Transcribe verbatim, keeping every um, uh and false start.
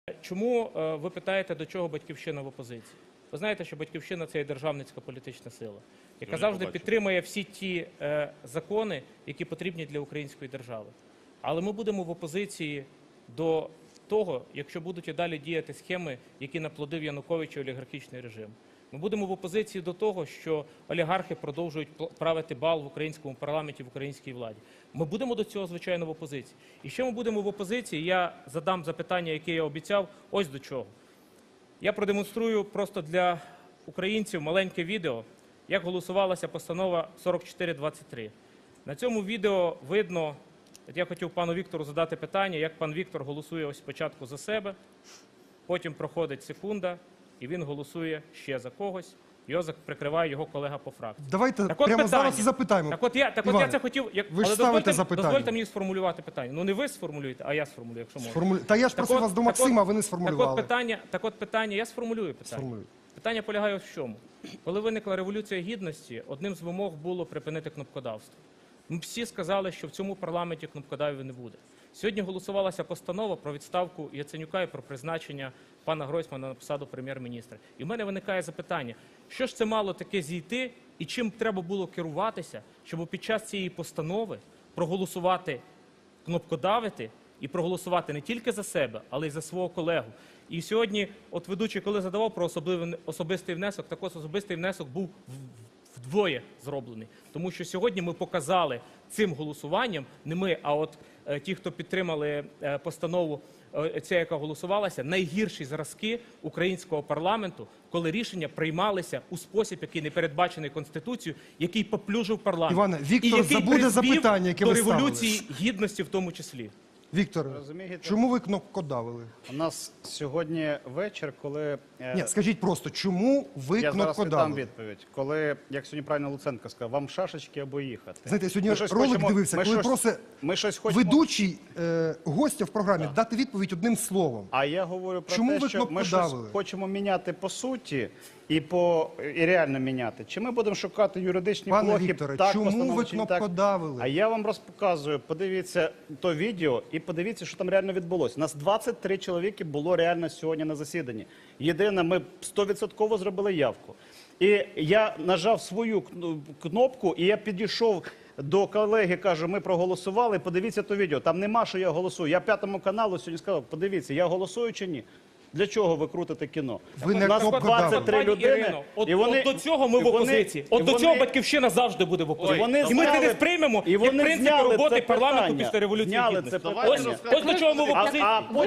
Чому ви питаєте, до чого «Батьківщина» в опозиції? Ви знаєте, що «Батьківщина» – це є державницька політична сила, яка завжди підтримує всі ті е, закони, які потрібні для української держави. Але ми будемо в опозиції до того, якщо будуть і далі діяти схеми, які наплодив Янукович і олігархічний режим. Ми будемо в опозиції до того, що олігархи продовжують правити бал в українському парламенті, в українській владі. Ми будемо до цього, звичайно, в опозиції. І ще ми будемо в опозиції, я задам запитання, яке я обіцяв, ось до чого. Я продемонструю просто для українців маленьке відео, як голосувалася постанова сорок чотири двадцять три. На цьому відео видно, от я хотів пану Віктору задати питання, як пан Віктор голосує ось спочатку за себе, потім проходить секунда, і він голосує ще за когось. Його прикриває його колега по фракції. Давайте так прямо питання. зараз і запитаємо. Так от я, так Іване, от я це хотів, як, ви ж але ставите дозвольте, запитання. дозвольте мені сформулювати питання. Ну не ви сформулюєте, а я сформулюю, якщо можна. Сформулю... Та я ж просив от- вас до так Максима, от- ви не сформулювали. Так от питання, так от питання, я сформулюю питання. Сформулюю. Питання полягає в чому? Коли виникла Революція Гідності, одним з вимог було припинити кнопкодавство. Ми всі сказали, що в цьому парламенті кнопкодавів не буде. Сьогодні голосувалася постанова про відставку Яценюка і про призначення пана Гройсмана на посаду прем'єр-міністра. І в мене виникає запитання, що ж це мало таке зійти і чим треба було керуватися, щоб під час цієї постанови проголосувати, кнопкодавити і проголосувати не тільки за себе, але й за свого колегу. І сьогодні, от ведучий, коли задавав про особливий, особистий внесок, так ось особистий внесок був вдвоє зроблений. Тому що сьогодні ми показали цим голосуванням, не ми, а от е, ті, хто підтримали е, постанову, е, ця, яка голосувалася, найгірші зразки українського парламенту, коли рішення приймалися у спосіб, який не передбачений Конституцією, який поплюжив парламент. Іване, Віктор і який забуде призвів запитання, яке до ви ставили. Революції Гідності в тому числі. Віктор, Розумієте? чому ви кнопкодавили? У нас сьогодні вечір, коли... е, Ні, скажіть просто, чому ви я зараз віддам кнопкодавили? відповідь. Коли, як сьогодні правильно Луценко сказав, вам шашечки або їхати. Знаєте, я сьогодні Ми щось ролик хочемо- дивився, ми коли щось- просить ми щось хочемо... ведучий е, гостя в програмі дати відповідь одним словом. А я говорю про Чому те, ви що ми щось кнопкодавили? хочемо міняти по суті і, по, і реально міняти. Чи ми будемо шукати юридичні Пане блоки? Вікторе, так, чому постанови, ви чи не так? кнопкодавили? А я вам розказую, подивіться то відео і подивіться, що там реально відбулося. У нас двадцять три чоловіки було реально сьогодні на засіданні. Єдине, ми сто відсотків зробили явку. І я нажав свою кн- кнопку, і я підійшов до колеги, кажу, ми проголосували, подивіться то відео. Там нема, що я голосую. Я П'ятому каналу сьогодні сказав, подивіться, я голосую чи ні? Для чого ви крутите кіно? Ви не У нас кнопкодавили. двадцять три Пані людини, Ірино, от, і вони, от до цього ми і в вони- опозиції. і От до вони- цього «Батьківщина» завжди буде в опозиції. вони І ми це зняли- не сприймемо, і як вони принцип зняли роботи це парламенту питання. після Революції Зняли Гідності. це Ось, питання. ось до чого ми в А- опозиції. а